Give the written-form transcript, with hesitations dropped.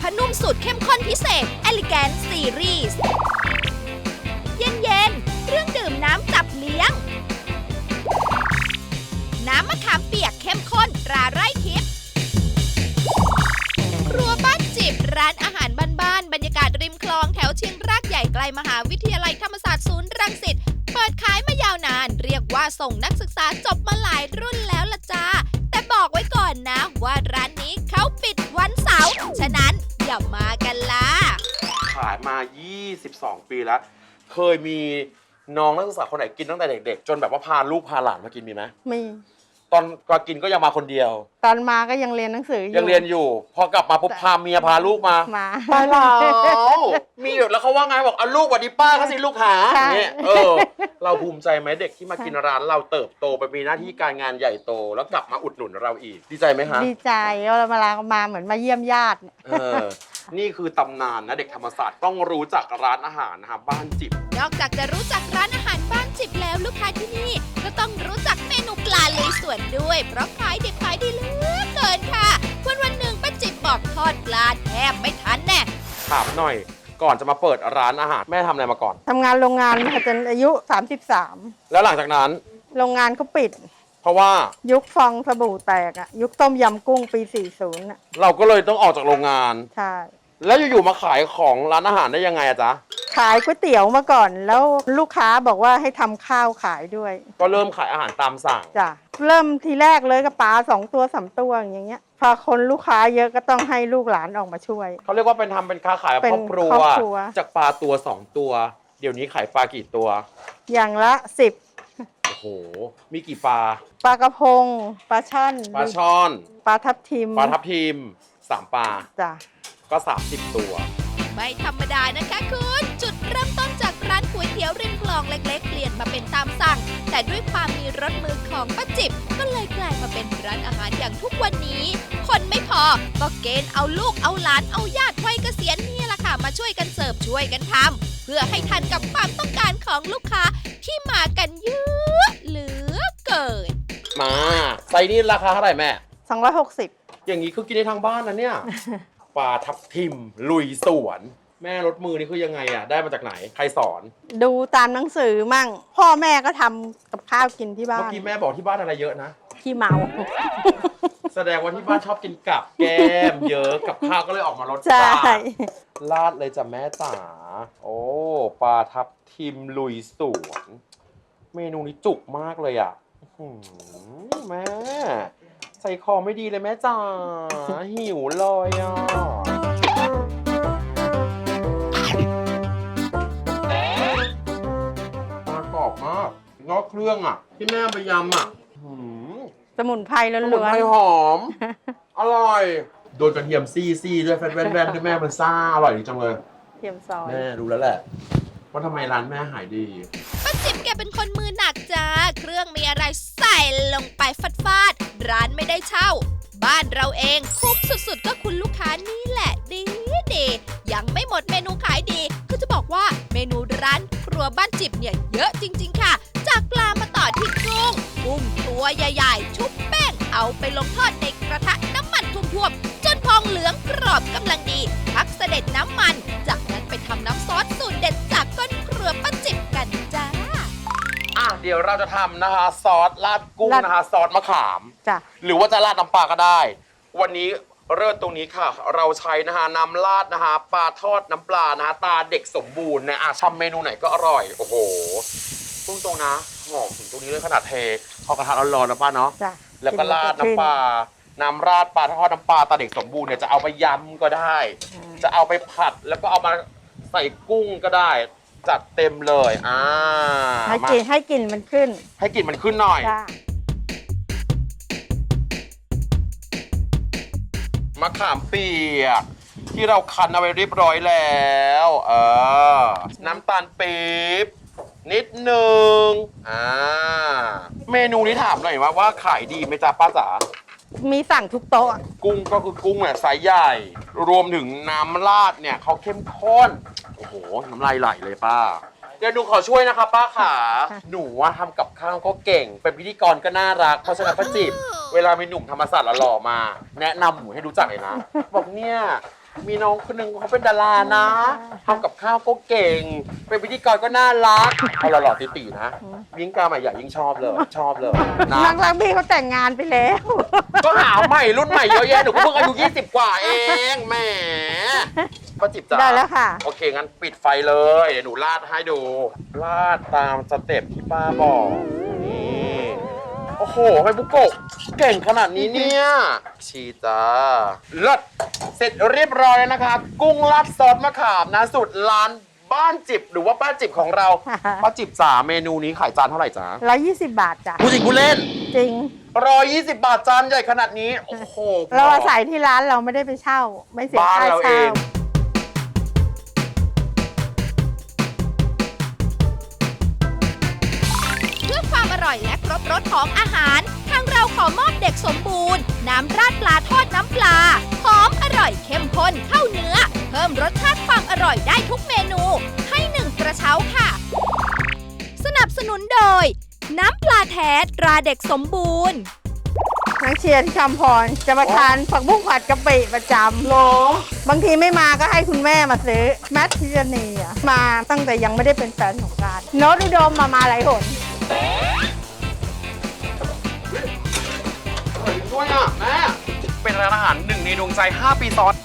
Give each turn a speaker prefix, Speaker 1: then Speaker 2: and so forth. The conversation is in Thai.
Speaker 1: ผ้านุ่มสูตรเข้มข้นพิเศษ Elegant Series เย็นๆเครื่องดื่มน้ำจับเลี้ยง น้ำมะขามเปียกเข้มข้นตราไร่ทิพย์ครัวบ้านจิบร้านอาหารบ้านๆบรรยากาศริมคลองแถวเชียงรากใหญ่ใกล้มหาวิทยาลัยธรรมศาสตร์ศูนย์รังสิตเปิดขายมายาวนานเรียกว่าส่งนักศึกษาจบมาหลายรุ่นแล้วล่ะจ้าแต่บอกไว้ก่อนนะว่าร้านนี้เขาปิดวันเสาร์ฉะนั้นอย่ามากันล่ะ
Speaker 2: ขายมา 22 ปีแล้ว เคยมีน้องนักศึกษาคนไหนกินตั้งแต่เด็กๆ จนแบบว่าพาลูกพาหลานมากินมีไหม
Speaker 3: มี
Speaker 2: ตอนก็กินก็ยังมาคนเดียว
Speaker 3: ตอนมาก็ยังเรียนหนังสืออยู่
Speaker 2: ยังเรียนอยู่ พอกลับมาปุ๊บพาเมียพาลูกมา ไปแล้วมีอยู่แล้วเขาว่าไงบอกเอาลูกหวัดดีป้าเขาสิลูกหาเนี่ยเราภูมิใจไหมเด็กที่มากินร้านเราเติบโตไปมีหน้าที่การงานใหญ่โตแล้วกลับมาอุดหนุนเราอีกดีใจไหมฮะ
Speaker 3: ดีใจเรามาเหมือนมาเยี่ยมญาติ
Speaker 2: นี่คือตำนานนะเด็กธรรมศาสตร์ต้องรู้จักร้านอาหารนะครับบ้านจิบ
Speaker 1: นอกจากจะรู้จักร้านอาหารบ้านจิบแล้วลูกค้าที่นี่ก็ต้องรู้จักเมนูปลาลุยสวนด้วยเพราะขายดิบขายดีเหลือเกินค่ะวันหนึ่งป้าจิบบอกทอดปลาแทบไม่ทันแน่
Speaker 2: ถามหน่อยก่อนจะมาเปิดร้านอาหารแม่ทำอะไรมาก่อน
Speaker 3: ทำงานโรงงานมาจนอายุ33
Speaker 2: แล้วหลังจากนั้น
Speaker 3: โรงงานเขาปิด
Speaker 2: เพราะว่า
Speaker 3: ยุคฟองสบู่แตกอะยุคต้มยำกุ้งปี40อะ
Speaker 2: เราก็เลยต้องออกจากโรงงาน
Speaker 3: ใช่
Speaker 2: แล้วอยู่ๆมาขายของร้านอาหารได้ยังไงอะจ๊ะ
Speaker 3: ขายก๋วยเตี๋ยวมาก่อนแล้วลูกค้าบอกว่าให้ทำข้าวขายด้วย
Speaker 2: ก็เริ่มขายอาหารตามสั่ง
Speaker 3: จ้ะเริ่มทีแรกเลยก็ปลา2 ตัว3 ตัวอย่างเงี้ยพอคนลูกค้าเยอะก็ต้องให้ลูกหลานออกมาช่วย
Speaker 2: เขาเรียกว่าเป็นค้าขายแบบครอบครัวจากปลาตัว2ตัวเดี๋ยวนี้ขายปลากี่ตัว
Speaker 3: อย่างละ10
Speaker 2: โอ้โหมีกี่ปลา
Speaker 3: ปลากระพงปลาช่อน
Speaker 2: ปลา
Speaker 3: ทับทิม
Speaker 2: 3ปลา
Speaker 3: จ้ะ
Speaker 2: ก็30ตัว
Speaker 1: ไม่ธรรมดานะคะคุณจุดเริ่มต้นจากร้านก๋วยเตี๋ยวริมคลองเล็กๆเปลี่ยนมาเป็นตามสั่งแต่ด้วยความมีรสมือของป้าจิบก็เลยกลายมาเป็นร้านอาหารอย่างทุกวันนี้คนไม่พอก็เกณฑ์เอาลูกเอาหลานเอาญาติวัยเกษียณนี่แหละค่ะมาช่วยกันเสิร์ฟช่วยกันทำเพื่อให้ทันกับความต้องการของลูกค้าที่มากันเยอะเหลือเกิน
Speaker 2: มาไซส์นี้ราคาเท่าไหร่แม่
Speaker 3: 260
Speaker 2: อย่างนี้คือกินได้ทั้งบ้านนะเนี่ยปลาทับทิมลุยสวนแม่รถมือนี่คือยังไงอ่ะได้มาจากไหนใครสอน
Speaker 3: ดูตามหนังสือมั่งพ่อแม่ก็ทำกับข้าวกินที่บ้าน
Speaker 2: เมื่อกี้แม่บอกที่บ้านอะไรเยอะนะ
Speaker 3: ขี้เมา
Speaker 2: แสดงว่าที่บ้านชอบกินกับแก้มเยอะกับข้าวก็เลยออกมารส
Speaker 3: ชาติ
Speaker 2: ราดเลยจ้ะแม่จ๋าโอ้ปลาทับทิมลุยสวนเมนูนี้จุกมากเลยอ่ะแม่ใส่คอไม่ดีเลยแม่จ๋าหิวเลยอ่ะปลากรอบมากงอกเครื่องอ่ะที่แม่ไปยำอ่ะ
Speaker 3: สมุนไพรล้วนๆ
Speaker 2: สมุนไพรหอมอร่อยโดนกระเทียมซี่ด้วยแว่นด้วยแม่มันซ่าอร่อยจริงจังเลย
Speaker 3: เทียมซอย
Speaker 2: แม่รู้แล้วแหละว่าทำไมร้านแม่หายดี
Speaker 1: ป้าจิบแกเป็นคนมือหนักจ้าเครื่องมีอะไรใส่ลงไปฟาดร้านไม่ได้เช่าบ้านเราเองคุ้มสุดๆก็คุณลูกค้านี่แหละดียังไม่หมดเมนูขายดีคือจะบอกว่าเมนูร้านครัวบ้านจิบเนี่ยเยอะจริงๆค่ะจากปลามาต่อที่กุ้งตัวใหญ่ๆชุบแป้งเอาไปลงทอดในกระทะน้ำมันท่วมๆจนพองเหลืองกรอบกำลังดีพักเสด็จน้ำมันจากนั้นไปทำน้ำซอสสูตรเด็ดจากก้นครัวป้าจิบกันจ้า
Speaker 2: เดี๋ยวเราจะทำนะคะซอสราดกุ้งนะคะซอสมะขาม
Speaker 3: จ้ะ
Speaker 2: หรือว่าจะราดน้ำปลาก็ได้วันนี้เริ่มตรงนี้ค่ะเราใช้นะคะน้ำราดนะคะปลาทอดน้ำปลานะคะตาเด็กสมบูรณ์นะทำเมนูไหนก็อร่อยโอ้โหพุ่งตรงนะหอมถึงตรงนี้เลยขนาดเทเข้ากระทะร้อนๆนะป้าเนาะแล้วก็ราดน้ำปลาน้ำราดปลาทอดน้ำปลาตาเด็กสมบูรณ์เนี่ยจะเอาไปยำก็ได้จะเอาไปผัดแล้วก็เอามาใส่กุ้งก็ได้จัดเต็มเลย
Speaker 3: ให้กลิ่นมันขึ้น
Speaker 2: ให้กลิ่นมันขึ้นหน่อยมะขามเปียกที่เราคั้นเอาไว้เรียบร้อยแล้วน้ำตาลปี๊บนิดนึงเมนูนี้ถามหน่อยว่าขายดีไหมจ๊ะป้าจ๋า
Speaker 3: มีสั่งทุกโต๊ะ
Speaker 2: กุ้งก็คือกุ้งเนี่ยไซส์ใหญ่รวมถึงน้ำราดเนี่ยเขาเข้มข้นโอ้โหน้ำลายไหลเลยป้าเดี๋ยวหนูขอช่วยนะคะป้าขาหนูว่าทำกับข้าวก็เก่งเป็นพิธีกรก็น่ารักเพราะฉะนั้นป้าจิบเวลามีหนุ่มธรรมศาสตร์หล่อมาแนะนำหนูให้รู้จักเลยนะบอกเนี่ยมีน้องคนหนึ่งเขาเป็นดารานะทำกับข้าวก็เก่ง เป็นพิธีกรก็น่ารักเอาหล่อๆตีๆนะยิ่งกาใหม่ใหญ่ยิ่งชอบเลยนะ
Speaker 3: นักรักบี้เขาแต่งงานไปแล้ว
Speaker 2: ก็หาใหม่รุ่นใหม่เยอะแยะหนูก็เพิ่งอายุ20 กว่าเองแหมป้าจิบจ๋า
Speaker 3: ได้แล้วค่ะ
Speaker 2: โอเคงั้นปิดไฟเลยเดี๋ยวหนูราดให้ดูราดตามสเต็ปที่ป้าบอกนี่โอ้โหไฮบุโกะเก่งขนาดนี้เนี่ยชีจ้าเลิศเสร็จเรียบร้อยแล้วนะคะกุ้งราดซอสมะขามนะสูตรร้านบ้านจิบหรือว่าป้าจิบของเรา ป้าจิบจ๋าเมนูนี้ขายจานเท่าไหร่จ๊ะ
Speaker 3: 120 บาทจ้ะ
Speaker 2: ผู้จริงผู้เล่น
Speaker 3: จริง
Speaker 2: 120 บาทจานใหญ่ขนาดนี้ โอ้โห
Speaker 3: เราอาศัยที่ร้านเราไม่ได้ไปเช่า ไม่เสีย
Speaker 2: บ้าน
Speaker 3: ค่า
Speaker 2: เราเอ
Speaker 3: เช่า
Speaker 2: ง
Speaker 1: เพื่อความอร่อยและครบรสของอาหาร ทางเราขอมอบเด็กสมบูรณ์ น้ำราดปลาทอดน้ำปลา หอมอร่อยเข้มข้นเข้าเนื้อ เพิ่มรสชาติความอร่อยได้ทุกเมนู ให้1กระเช้าค่ะ สนับสนุนโดย น้ำปลาแท้ตราเด็กสมบูรณ์
Speaker 3: นักเชียร์ที่คำพรจะมาทานผักบุ้งผัดกะปิประจำ
Speaker 2: หรอบ
Speaker 3: างทีไม่มาก็ให้คุณแม่มาซื้อ แมทพิจนีอะมาตั้งแต่ยังไม่ได้เป็นแฟนของการโน้ตอุดมมาหลายหน
Speaker 2: อร่อยด้วยอ่ะแม่ เป็นร้านอาหาร1 ในดวงใจ 5 ปีซ้อน